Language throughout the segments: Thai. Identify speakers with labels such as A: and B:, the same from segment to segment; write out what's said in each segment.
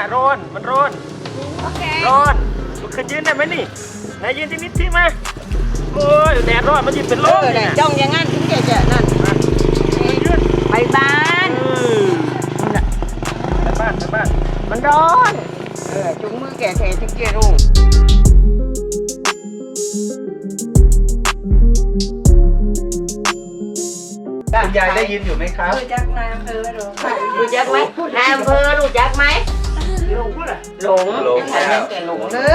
A: ร้อนมันร้อนร้อนลุกขึ้นยืนได้ไหมนี่ไหนยืนที่นิดที่มาโอ้ยแดดร้อนมันยืนเป็นลมเนี่ย
B: จ้องอย่างงั้นถึงจะนั่นไปบ้าน
A: ไปบ้าน
B: มันร้อนจุงมือแก่ถึงจะรู้
C: คุณยายได้ยินอยู่ไหมครับ
B: รู้จักนายอำเภอรู้จักไหมนายอำเภอรู้จักไหมหลงเลย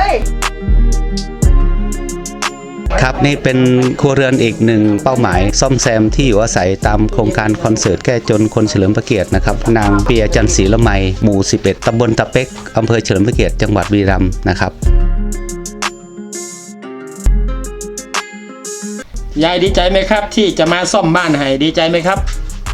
D: ครับนี่เป็นครัวเรือนอีกหนึ่งเป้าหมายซ่อมแซมที่อยู่อาศัยตามโครงการคอนเสิร์ตแก้จนคนเฉลิมพระเกียรตินะครับนางเปียจันทร์ศรีละไมหมู่ 11 ตำบลตะเป็กอำเภอเฉลิมพระเกียรติจังหวัดบุรีรัมย์นะครับ
A: ยายดีใจไหมครับที่จะมาซ่อมบ้านให้ดีใจไหมครับ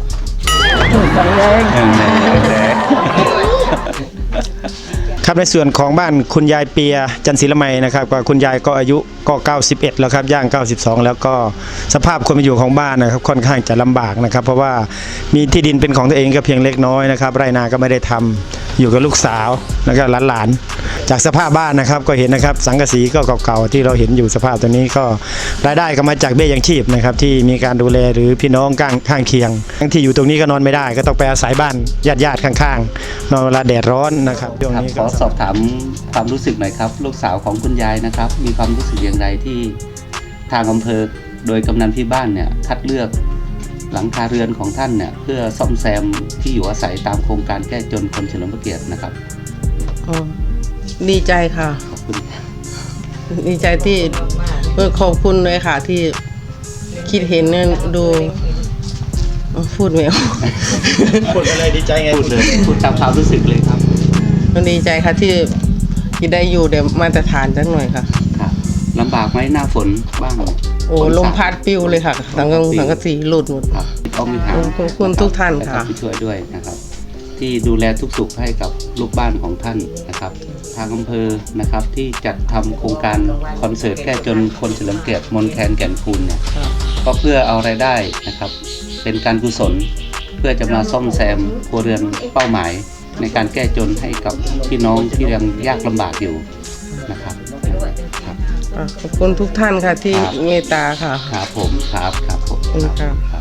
E: ครับในส่วนของบ้านคุณยายเปียจันทร์ศรีละไมนะครับก็คุณยายก็อายุก็91แล้วครับย่าง92แล้วก็สภาพความเป็นอยู่ของบ้านนะครับค่อนข้างจะลำบากนะครับเพราะว่ามีที่ดินเป็นของตัวเองก็เพียงเล็กน้อยนะครับไร่นาก็ไม่ได้ทำอยู่กับลูกสาวแล้วก็หลานๆจากสภาพบ้านนะครับก็เห็นนะครับสังกะสีก็เก่าๆที่เราเห็นอยู่สภาพตัวนี้ก็รายได้ก็มาจากเบี้ยยังชีพนะครับที่มีการดูแลหรือพี่น้องข้างเคียงทั้งที่อยู่ตรงนี้ก็นอนไม่ได้ก็ต้องไปอาศัยบ้านญาติข้างๆนอนเวลาแดดร้อนนะครับตรงนี้
D: ขอสอบถามความรู้สึกหน่อยครับลูกสาวของคุณยายนะครับมีความรู้สึกอย่างไรที่ทางอำเภอโดยกำนันที่บ้านเนี่ยคัดเลือกหลังคาเรือนของท่านเนี่ยเพื่อซ่อมแซมที่อยู่อาศัยตามโครงการแก้จนคนเฉลิมพระเกียรตินะครับ
F: ดีใจค่ะ
D: ขอบคุณ
F: ดีใจที่ขอบคุณเลยค่ะที่คิดเห็นเนี่ยดูพูดไม่ออก
E: พูดอะไรดีใจไง
D: พูดเลยพูดตามความรู้สึกเลยครับ
F: มันดีใจค่ะที่ได้อยู่เดี๋ยวมาตรฐานจังหน่อยค่ะ
D: ครับลำบากไหมหน้าฝนบ้าง
F: โอ้ลมพัดปิวเลยค่ะสังกะสีหลุดหมด
D: ครับต้องมี
F: ขอบคุณทุกท่านค่ะ
D: ที่ช่วยด้วยนะครับที่ดูแลทุกสุขให้กับลูกบ้านของท่านนะครับทางอำเภอนะครับที่จัดทำโครงการคอนเสิร์ตแก้จนคนเฉลิมเกียรติมนแคนแก่นคูณเนี่ยก็เพื่อเอารายได้นะครับเป็นการกุศลเพื่อจะมาซ่อมแซมครัวเรือนเป้าหมายในการแก้จนให้กับพี่น้องที่ยังยากลำบากอยู่นะครับ
F: ขอบคุณทุกท่านค่ะที่เมตตาค่ะ
D: ครับผมครับผม
F: ครับ